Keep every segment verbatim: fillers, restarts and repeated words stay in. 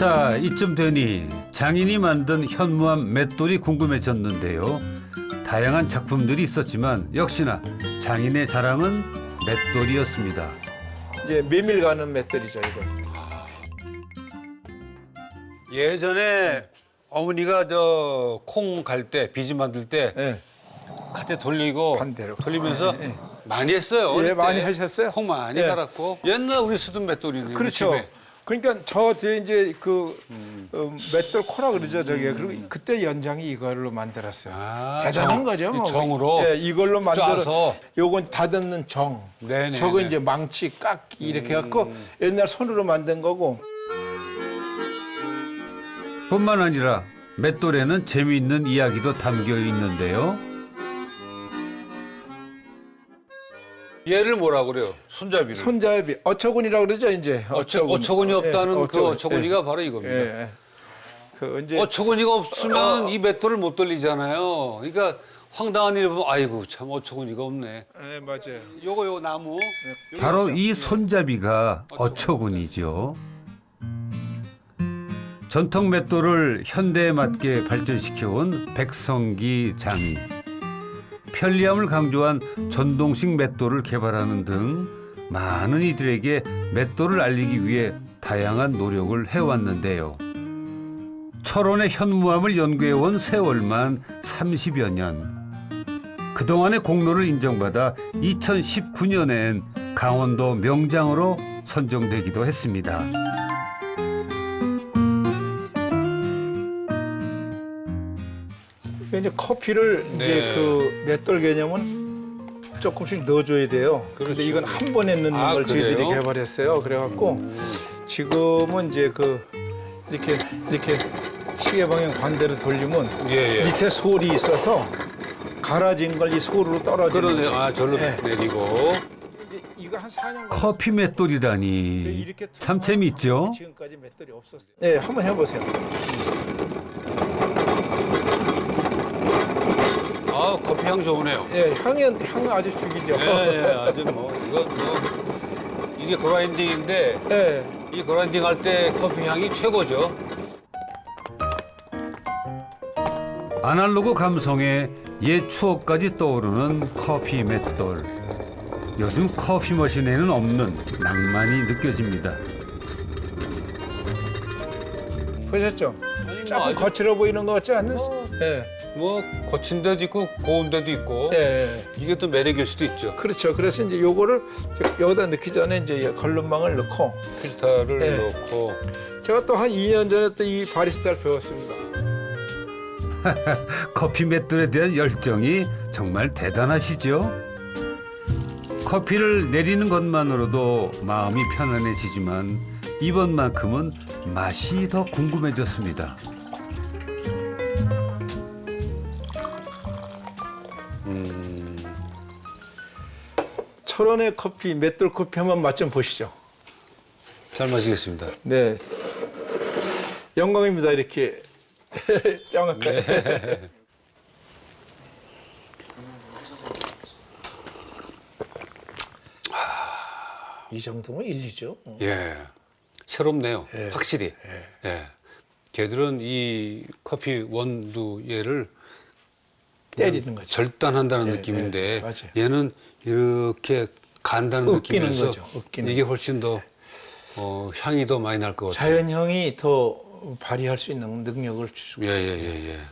자, 이쯤 되니 장인이 만든 현무암 맷돌이 궁금해졌는데요. 다양한 작품들이 있었지만 역시나 장인의 자랑은 맷돌이었습니다. 이제 메밀 가는 맷돌이죠, 이거. 예전에 어머니가 저 콩 갈 때 비지 만들 때 예. 갓에 돌리고 반대로. 돌리면서 예, 예. 많이 했어요. 예, 어릴 때. 많이 하셨어요? 콩 많이 예. 갈았고 옛날 우리 쓰던 맷돌이네요. 그렇죠. 집에. 그러니까 저 뒤에 이제 그 어, 맷돌 코라 그러죠, 저게. 그리고 그때 연장이 이걸로 만들었어요. 아, 대단한 정- 거죠, 이 뭐. 정으로 예, 이걸로 만들어. 짜서. 요건 다듬는 정. 네네, 저거 네. 이제 망치, 깎기 이렇게 해갖고 옛날 손으로 만든 거고. 뿐만 아니라 맷돌에는 재미있는 이야기도 담겨 있는데요. 얘를 뭐라 그래요? 손잡이를. 손잡이, 어처구니라고 그러죠, 이제. 어처, 어처구니 없다는 예, 그 어처구니. 어처구니가 바로 이겁니다. 예, 예. 그 이제 어처구니가 없으면 이 맷돌을 못 돌리잖아요. 그러니까 황당한 일을 보면 아이고 참 어처구니가 없네. 예, 맞아요. 요거 요거 나무. 바로 이 손잡이가 어처구니죠. 전통 맷돌을 현대에 맞게 발전시켜온 백성기 장인. 편리함을 강조한 전동식 맷돌을 개발하는 등 많은 이들에게 맷돌을 알리기 위해 다양한 노력을 해왔는데요. 철원의 현무암을 연구해온 세월만 삼십여 년. 그동안의 공로를 인정받아 이천십구 년엔 강원도 명장으로 선정되기도 했습니다. 이제 커피를 네. 이제 그 맷돌 개념은 조금씩 넣어줘야 돼요. 그렇죠. 근데 이건 한 번에 넣는 아, 걸 저희들이 그래요? 개발했어요. 그래갖고 지금은 이제 그 이렇게 이렇게 시계 방향 반대로 돌리면 예, 예. 밑에 솔이 있어서 갈아진 걸 이 솔으로 떨어지는 그러네. 거죠. 아 절로 네. 내리고. 이제 이거 한 사 년 커피 맷돌이라니 이렇게 참 투명한 재밌죠? 지금까지 맷돌이 없었어요. 네, 한번 해보세요. 아 커피 향 좋으네요. 예, 향이 향 아주 죽이죠. 예, 예, 아주 뭐 이거 뭐 이게 그라인딩인데 예. 이 그라인딩 할 때 커피 향이 최고죠. 아날로그 감성에 옛 추억까지 떠오르는 커피 맷돌. 요즘 커피 머신에는 없는 낭만이 느껴집니다. 보셨죠? 아니, 뭐 조금 아주- 거칠어 보이는 것 같지 않으세요? 어. 예. 뭐 거친 데도 있고 고운 데도 있고 예. 이게 또 매력일 수도 있죠. 그렇죠. 그래서 이제 요거를 저- 여기다 넣기 전에 이제 걸름망을 넣고 필터를 네. 넣고 제가 또 한 이 년 전에 또 이 바리스타를 배웠습니다. 커피 맷돌에 대한 열정이 정말 대단하시죠? 커피를 내리는 것만으로도 마음이 편안해지지만 이번만큼은 맛이 더 궁금해졌습니다. 철원의 커피, 맷돌 커피 한번 맛 좀 보시죠. 잘 마시겠습니다. 네. 영광입니다. 이렇게 정확하게. 네. 이 정도면 일리죠. 예, 새롭네요. 예. 확실히. 예. 걔들은 이 커피 원두얘를 때리는 거죠. 절단한다는 예, 느낌인데 예, 맞아요. 얘는 이렇게 간다는 으깨는 느낌이어서 거죠, 으깨는 이게 훨씬 더 어, 향이 더 많이 날 것 같아요. 자연형이 더 발휘할 수 있는 능력을 주고. 예, 예, 예, 예.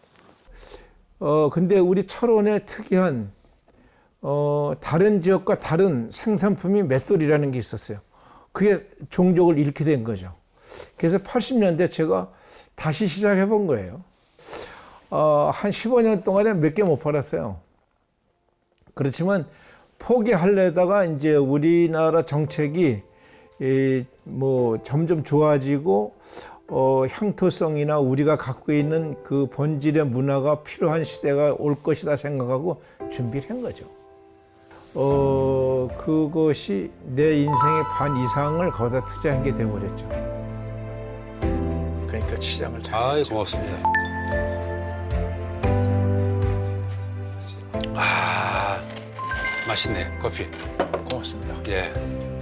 어 근데 우리 철원의 특이한 어 다른 지역과 다른 생산품이 맷돌이라는 게 있었어요. 그게 종족을 잃게 된 거죠. 그래서 팔십 년대 제가 다시 시작해 본 거예요. 어, 한 십오 년 동안에 몇 개 못 팔았어요. 그렇지만 포기하려다가 이제 우리나라 정책이 이, 뭐 점점 좋아지고 어, 향토성이나 우리가 갖고 있는 그 본질의 문화가 필요한 시대가 올 것이다 생각하고 준비를 한 거죠. 어, 그것이 내 인생의 반 이상을 거기다 투자한 게 돼버렸죠. 그러니까 시장을 잘. 아이, 고맙습니다. 아, 맛있네, 커피. 고맙습니다. 예.